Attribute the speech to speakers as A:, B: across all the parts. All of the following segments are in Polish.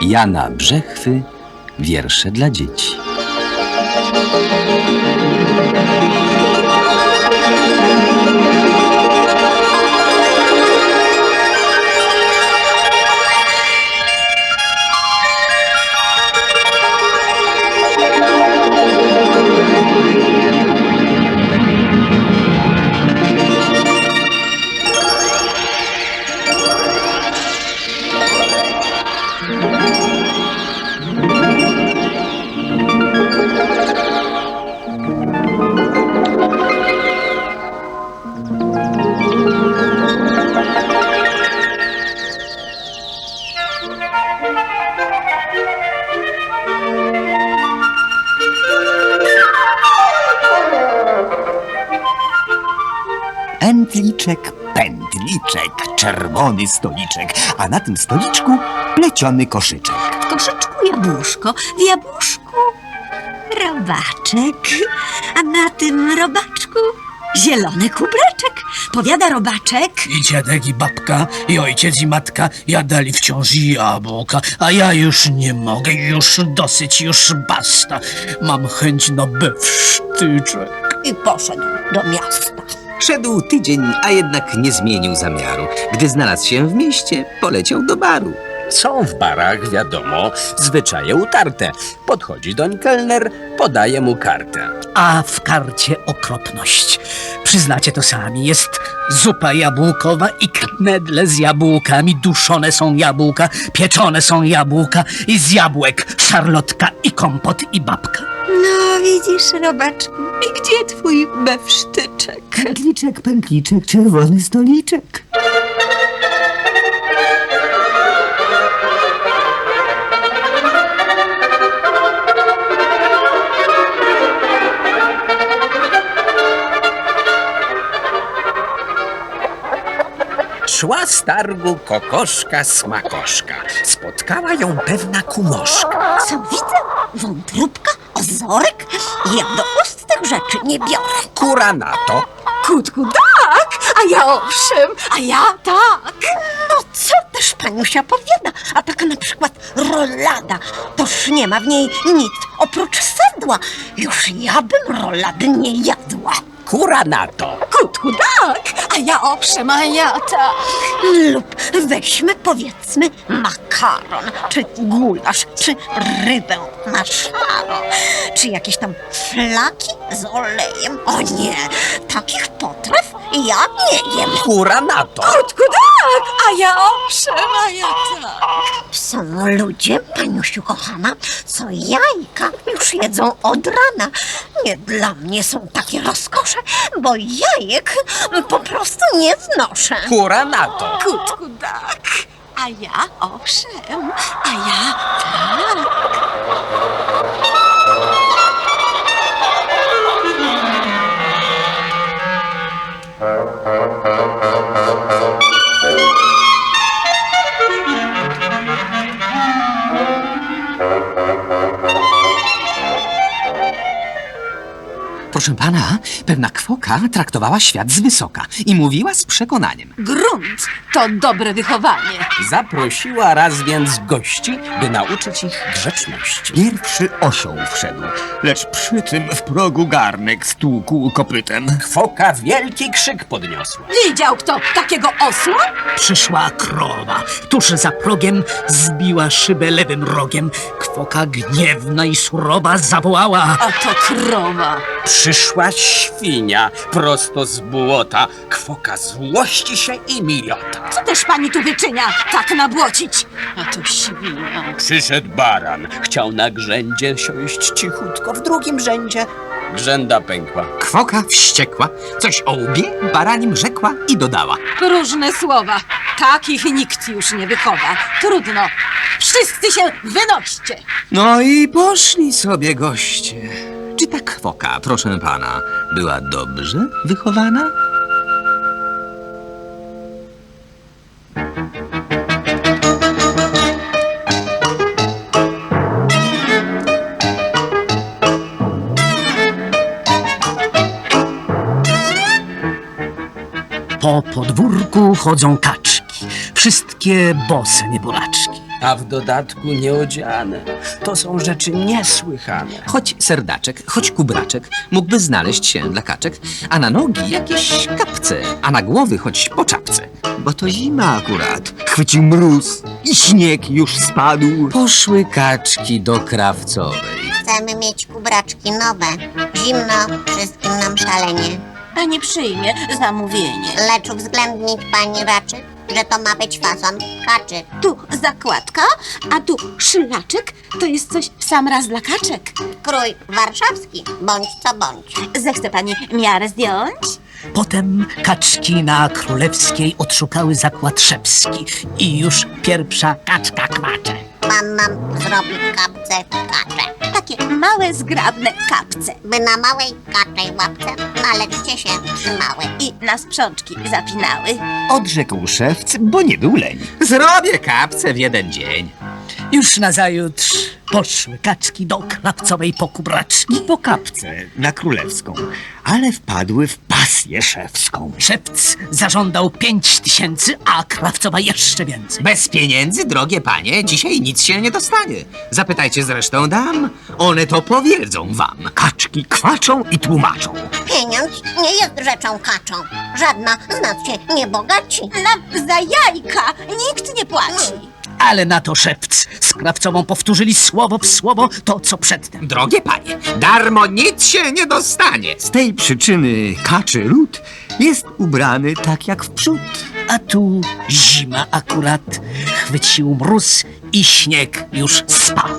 A: Jana Brzechwy, wiersze dla dzieci.
B: Pętliczek, pętliczek, czerwony stoliczek, a na tym stoliczku pleciony koszyczek.
C: W koszyczku jabłuszko, w jabłuszku robaczek, a na tym robaczku zielony kubreczek. Powiada robaczek:
D: I dziadek, i babka, i ojciec, i matka jadali wciąż jabłka, a ja już nie mogę, już dosyć, już basta. Mam chęć na bewsztyczek.
C: i poszedł do miasta.
E: Szedł tydzień, a jednak nie zmienił zamiaru. Gdy znalazł się w mieście, poleciał do baru.
A: Są w barach, wiadomo, zwyczaje utarte. Podchodzi doń kelner, podaje mu kartę.
D: A w karcie okropność. Przyznacie to sami, jest zupa jabłkowa i knedle z jabłkami, duszone są jabłka, pieczone są jabłka i z jabłek szarlotka i kompot i babka.
C: No widzisz, robaczku, i gdzie twój bewsztyczek?
B: Pętliczek, pętliczek, czerwony stoliczek.
A: Szła z targu kokoszka smakoszka. Spotkała ją pewna kumoszka.
C: Co widzę? Wątróbka, ozorek? Ja do ust tych rzeczy nie biorę.
A: Kura na to.
C: Kutku, tak, a ja owszem, a ja tak. No co też paniusia powiada, a taka na przykład rolada, toż nie ma w niej nic oprócz sedła. Już ja bym rolady nie jadła.
A: Kura na to.
C: Kutku, tak, a ja owszem, a ja tak. Lub weźmy powiedzmy makaron, czy gulasz, czy rybę na szaro, czy jakieś tam flaki z olejem. O nie, takich potraw ja nie jem.
A: Kura na to.
C: Kutku, tak, a ja owszem, a ja tak. Są ludzie, paniusiu kochana, co jajka już jedzą od rana. Nie dla mnie są takie rozkosze, bo jajek po prostu nie znoszę.
A: Kura na to.
C: Kutku, tak, a ja owszem, a ja tak.
B: Proszę pana, pewna kwoka traktowała świat z wysoka i mówiła z przekonaniem.
F: Grunt to dobre wychowanie.
A: Zaprosiła raz więc gości, by nauczyć ich grzeczności.
B: Pierwszy osioł wszedł, lecz przy tym w progu garnek stłukł kopytem.
A: Kwoka wielki krzyk podniosła.
F: Widział kto takiego osła?
D: Przyszła krowa, tuż za progiem zbiła szybę lewym rogiem. Kwoka gniewna i surowa zawołała:
F: A to krowa.
A: Przyszła świnia prosto z błota. Kwoka złości się i mijota.
F: Co też pani tu wyczynia, tak nabłocić? A to świnia.
A: Przyszedł baran. Chciał na grzędzie siąść cichutko w drugim rzędzie. Grzęda pękła.
B: Kwoka wściekła, coś o łbie baranim rzekła i dodała.
F: Różne słowa. Takich nikt już nie wychowa. Trudno. Wszyscy się wynoście.
B: No i poszli sobie goście. Czy ta kwoka, proszę pana, była dobrze wychowana?
D: Po podwórku chodzą kaczki, wszystkie bose nieboraczki.
A: a w dodatku nieodziane. To są rzeczy niesłychane.
E: Choć serdaczek, choć kubraczek mógłby znaleźć się dla kaczek, a na nogi jakieś kapce, a na głowy choć po czapce.
B: Bo to zima akurat. Chwycił mróz i śnieg już spadł.
E: Poszły kaczki do krawcowej.
G: Chcemy mieć kubraczki nowe. Zimno, wszystkim nam szalenie.
F: Pani przyjmie zamówienie.
G: Lecz uwzględnić pani raczy, że to ma być fason kaczy.
F: Tu zakładka, a tu szlaczek. To jest coś w sam raz dla kaczek.
G: Krój warszawski, bądź co bądź.
F: Zechce pani miarę zdjąć?
D: Potem kaczki na Królewskiej odszukały zakład szewski i już pierwsza kaczka kwacze.
G: Pan nam zrobi kapce kacze.
F: Takie małe, zgrabne kapce.
G: By na małej kaczej łapce naleczcie się trzymały.
F: I na sprzączki zapinały.
B: Odrzekł szewc, bo nie był leń.
E: Zrobię kapce w jeden dzień.
D: Już nazajutrz poszły kaczki do Krawcowej po kubraczki.
B: Po kapce na Królewską, ale wpadły w pasję szewską.
D: Szewc zażądał 5000, a Krawcowa jeszcze więcej.
E: Bez pieniędzy, drogie panie, dzisiaj nic się nie dostanie. Zapytajcie zresztą dam, one to powiedzą wam.
B: Kaczki kwaczą i tłumaczą.
G: Pieniądz nie jest rzeczą kaczą. Żadna z nas się nie bogaci.
F: Nam za jajka nikt nie płaci.
D: Ale na to szewc z Krawcową powtórzyli słowo w słowo to, co przedtem.
E: Drogie panie, darmo nic się nie dostanie.
B: Z tej przyczyny kaczy lud jest ubrany tak jak wprzód.
D: A tu zima akurat, chwycił mróz i śnieg już spadł.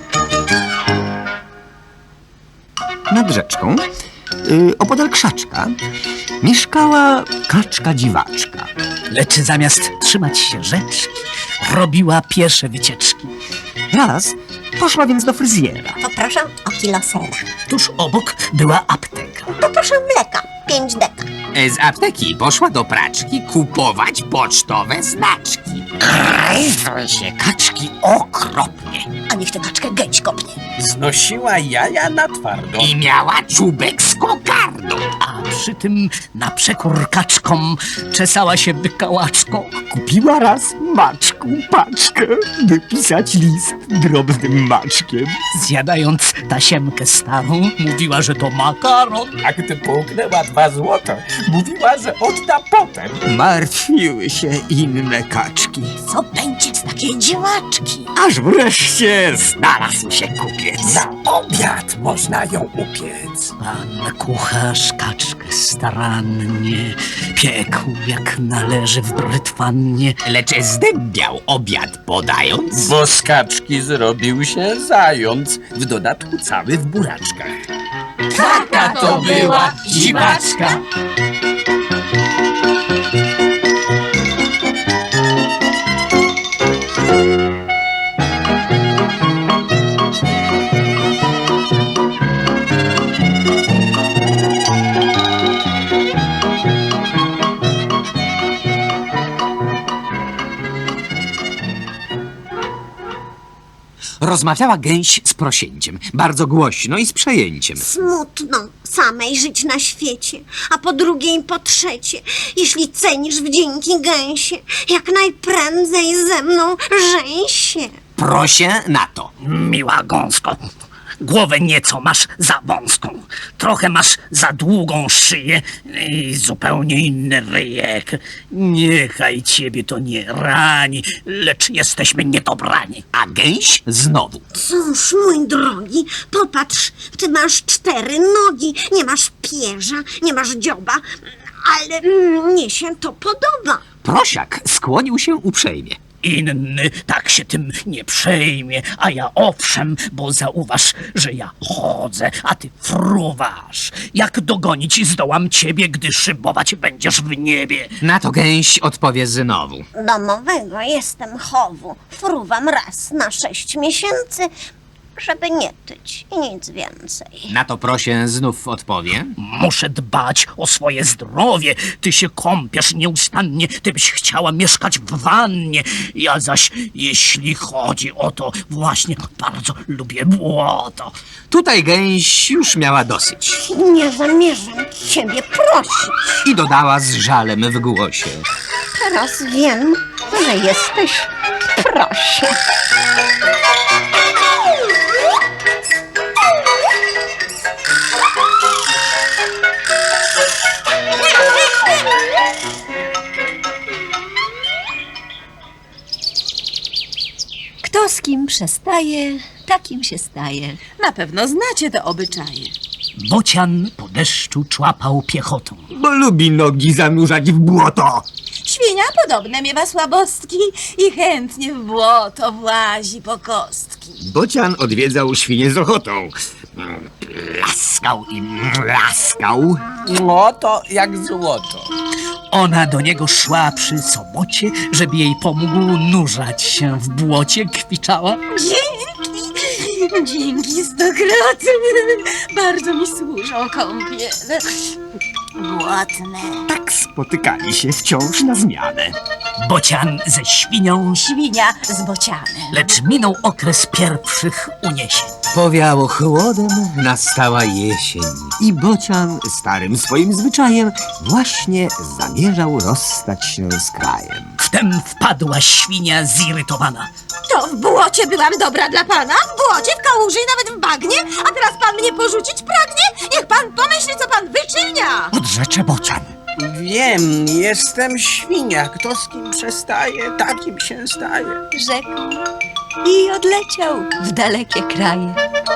B: Nad rzeczką, opodal krzaczka, mieszkała kaczka dziwaczka.
D: Lecz zamiast trzymać się rzeczki, robiła piesze wycieczki.
B: Raz poszła więc do fryzjera.
G: Poproszę o kilo sera.
D: Tuż obok była apteka.
G: Poproszę mleka, 5 deka.
E: Z apteki poszła do praczki kupować pocztowe znaczki.
D: Gryzły się kaczki okropnie.
F: A niech tę kaczkę gęś kopnie.
A: Znosiła jaja na twardo.
E: I miała czubek z kokardą.
D: A przy tym na przekór kaczkom czesała się wykałaczką.
B: Kupiła raz maczku paczkę, by pisać list drobnym maczkiem.
D: Zjadając tasiemkę starą, mówiła, że to makaron.
A: A gdy połknęła 2 złote, mówiła, że odda potem.
B: Martwiły się inne kaczki,
F: Co będzie z takiej działaczki?
B: aż wreszcie znalazł się kupiec.
A: Na obiad można ją upiec.
D: Pan kucharz kaczkę starannie piekł jak należy w brytwannie.
E: Lecz zdębiał obiad podając.
A: Bo z kaczki zrobił się zając, w dodatku cały w buraczkach.
D: Taka to była dziwaczka.
E: Rozmawiała gęś z prosięciem, bardzo głośno i z przejęciem.
C: Smutno samej żyć na świecie, a po drugie i po trzecie, jeśli cenisz wdzięki gęsie, jak najprędzej ze mną żeń się.
E: Proszę na to.
D: Miła gąsko, głowę nieco masz za wąską, trochę masz za długą szyję i zupełnie inny ryjek. Niechaj ciebie to nie rani, lecz jesteśmy niedobrani.
E: A gęś znowu.
C: Cóż, mój drogi, popatrz, ty masz 4 nogi, nie masz pierza, nie masz dzioba, ale mnie się to podoba.
E: Prosiak skłonił się uprzejmie.
D: Inny tak się tym nie przejmie, a ja owszem, bo zauważ, że ja chodzę, a ty fruwasz. Jak dogonić zdołam ciebie, gdy szybować będziesz w niebie?
E: Na to gęś odpowie znowu.
C: Domowego jestem chowu, fruwam raz na 6 miesięcy, żeby nie tyć i nic więcej.
E: Na to prosie znów odpowie.
D: Muszę dbać o swoje zdrowie. Ty się kąpiesz nieustannie, ty byś chciała mieszkać w wannie. Ja zaś, jeśli chodzi o to, właśnie bardzo lubię błoto.
E: Tutaj gęś już miała dosyć.
C: Nie zamierzam ciebie prosić.
E: I dodała z żalem w głosie.
C: Teraz wiem, że jesteś
G: proszę.
C: Kto z kim przestaje, takim się staje.
F: Na pewno znacie te obyczaje.
D: Bocian po deszczu człapał piechotą.
B: Bo lubi nogi zanurzać w błoto.
F: Świnia podobne miewa słabostki i chętnie w błoto włazi po kostki.
B: Bocian odwiedzał świnię z ochotą. Laskał i laskał.
A: No to jak złoto.
D: Ona do niego szła przy sobocie, żeby jej pomógł nurzać się w błocie, kwiczała.
F: Dzięki stokrotnie. Bardzo mi służą kąpiele. Głodne.
B: Tak spotykali się wciąż na zmianę.
D: Bocian ze świnią,
F: Świnia z bocianem.
D: lecz minął okres pierwszych uniesień.
B: Powiało chłodem, nastała jesień. I Bocian starym swoim zwyczajem właśnie zamierzał rozstać się z krajem.
D: Wtem wpadła świnia zirytowana.
F: To w błocie byłam dobra dla pana? W błocie, w kałuży i nawet w bagnie? A teraz pan mnie porzucić pragnie? Niech pan pomyśli, co pan wyczynia!
B: Odrzecze Bocian.
A: Wiem, jestem świnia. Kto z kim przestaje, takim się staje.
C: Rzekł i odleciał w dalekie kraje.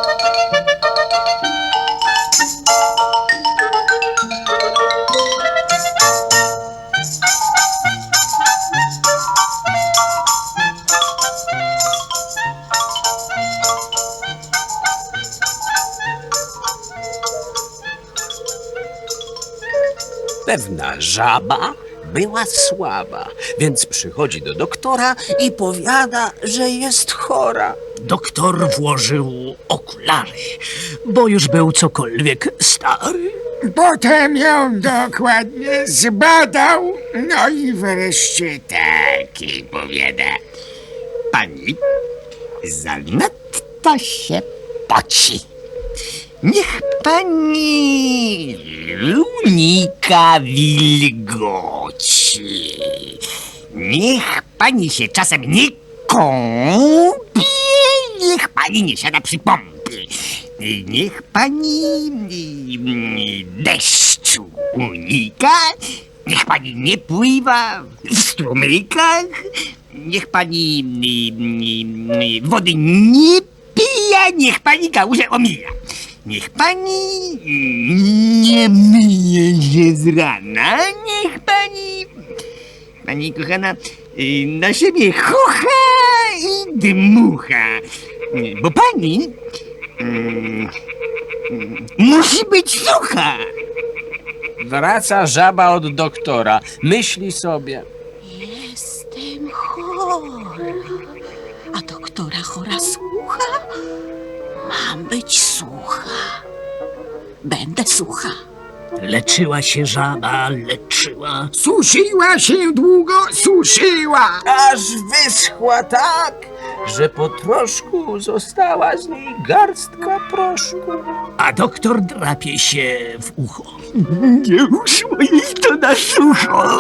A: Pewna żaba była słaba, więc przychodzi do doktora i powiada, że jest chora.
D: Doktor włożył okulary, bo już był cokolwiek stary.
H: Potem ją dokładnie zbadał, no i wreszcie taki powiada.
B: Pani zanadto się poci. Niech pani unika wilgoci. Niech pani się czasem nie kąpie. Niech pani nie siada przy pompie. Niech pani deszczu unika. Niech pani nie pływa w strumykach. Niech pani wody nie pije. Niech pani kałużę omija. Niech pani nie myje się z rana. Niech pani kochana, na siebie chucha i dmucha. Bo pani musi być sucha.
A: Wraca żaba od doktora. Myśli sobie.
F: Jestem chora. A doktora chora słucha? Mam być sucha. Będę sucha.
D: Leczyła się żaba, leczyła.
H: Suszyła się długo, suszyła.
A: Aż wyschła tak, że po troszku została z niej garstka proszku.
D: A doktor drapie się w ucho.
B: Nie uszło jej to na sucho.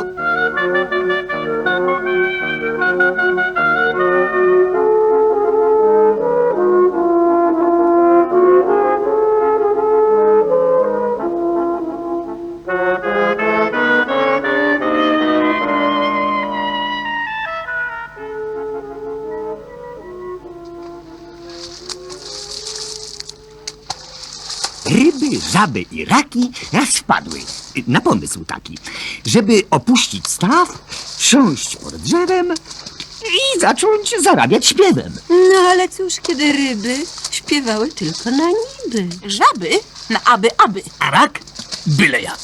B: Ryby, żaby i raki raz wpadły na pomysł taki, żeby opuścić staw, siąść pod drzewem i zacząć zarabiać śpiewem.
C: No ale cóż, kiedy ryby śpiewały tylko na niby.
F: Żaby na aby.
D: A rak byle jak.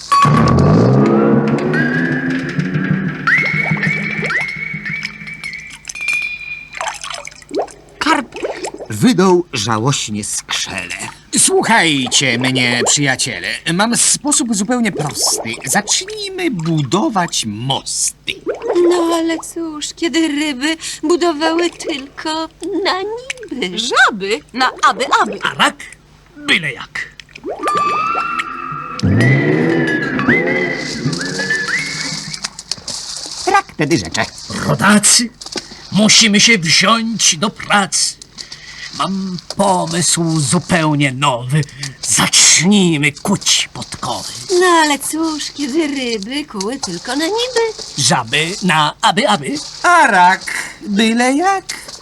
B: Karp wydał żałośnie skrzele.
H: Słuchajcie mnie, przyjaciele. Mam sposób zupełnie prosty. Zacznijmy budować mosty.
C: No ale cóż, kiedy ryby budowały tylko na niby.
F: Żaby na aby.
D: A rak byle jak.
B: Rak wtedy rzecze.
D: Rodacy, Musimy się wziąć do pracy. Mam pomysł zupełnie nowy. Zacznijmy kuć podkowy.
F: No ale cóż, kiedy ryby kuły tylko na niby.
D: Żaby na aby.
E: A rak byle jak.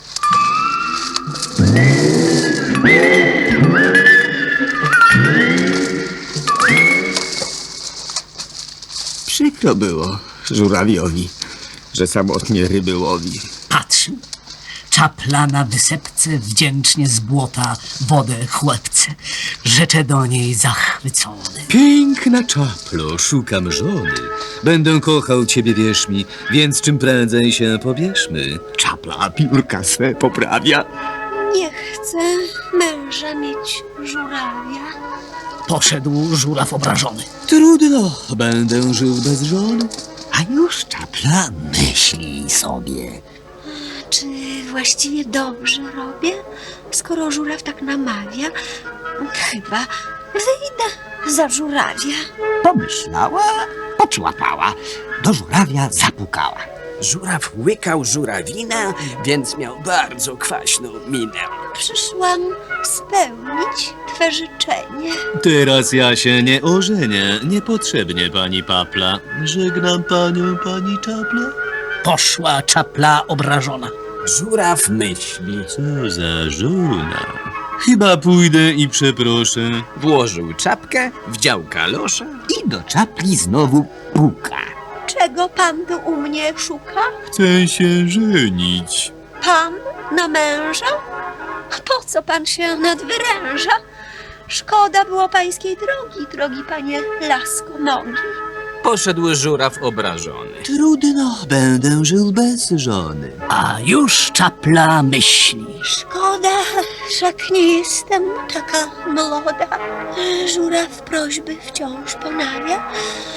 B: Przykro było żurawiowi, że samotnie ryby łowi.
D: Patrzył. Czapla na wysepce wdzięcznie z błota wodę chłepce. Rzecze do niej zachwycony.
I: Piękna czaplo, szukam żony. Będę kochał ciebie, wierz mi, więc czym prędzej się pobierzmy.
B: Czapla piórka swe poprawia.
F: Nie chcę męża mieć żurawia.
D: Poszedł żuraw obrażony.
I: Trudno, będę żył bez żony.
B: A już czapla myśli sobie.
F: Czy właściwie dobrze robię, skoro żuraw tak namawia? Chyba wyjdę za żurawia.
B: Pomyślała, poczłapała, do żurawia zapukała.
A: Żuraw łykał żurawinę, więc miał bardzo kwaśną minę.
F: Przyszłam spełnić twe życzenie.
I: Teraz ja się nie ożenię, niepotrzebnie pani Papla. Żegnam panią, pani Czapla.
D: Poszła czapla obrażona.
A: Żuraw myśli.
I: Co za żona. Chyba pójdę i przeproszę.
A: Włożył czapkę, wdział kalosze.
B: I do czapli znowu puka.
F: Czego pan tu u mnie szuka?
I: Chcę się żenić.
F: Pan na męża? Po co pan się nadwyręża? Szkoda było pańskiej drogi, drogi panie lasko nogi.
A: Poszedł żuraw obrażony.
I: Trudno, będę żył bez żony.
D: A już czapla myśli.
F: Szkoda, wszak nie jestem taka młoda. Żuraw prośby wciąż ponawia.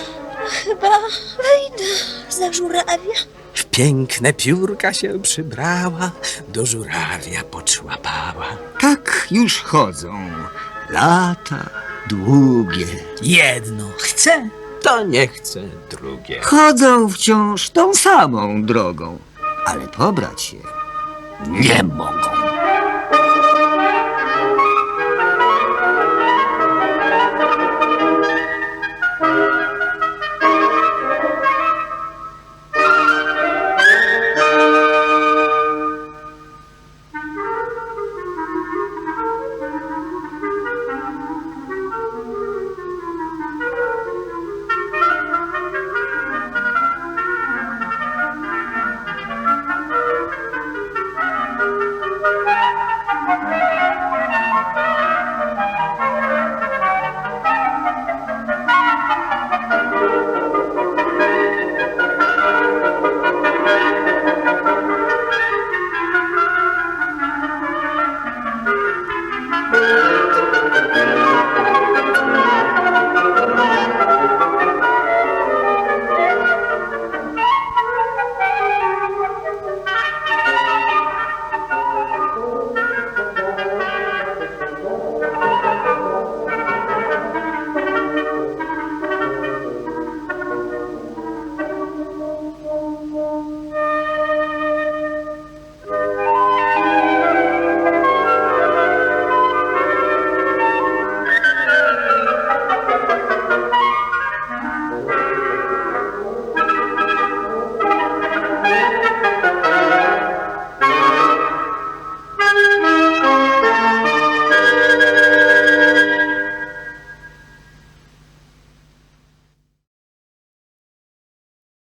F: Chyba wyjdę za żurawia.
A: W piękne piórka się przybrała, do żurawia poczłapała.
B: Tak już chodzą. Lata długie.
D: Jedno chce,
A: To nie chce drugie.
B: Chodzą wciąż tą samą drogą, ale pobrać się nie mogą.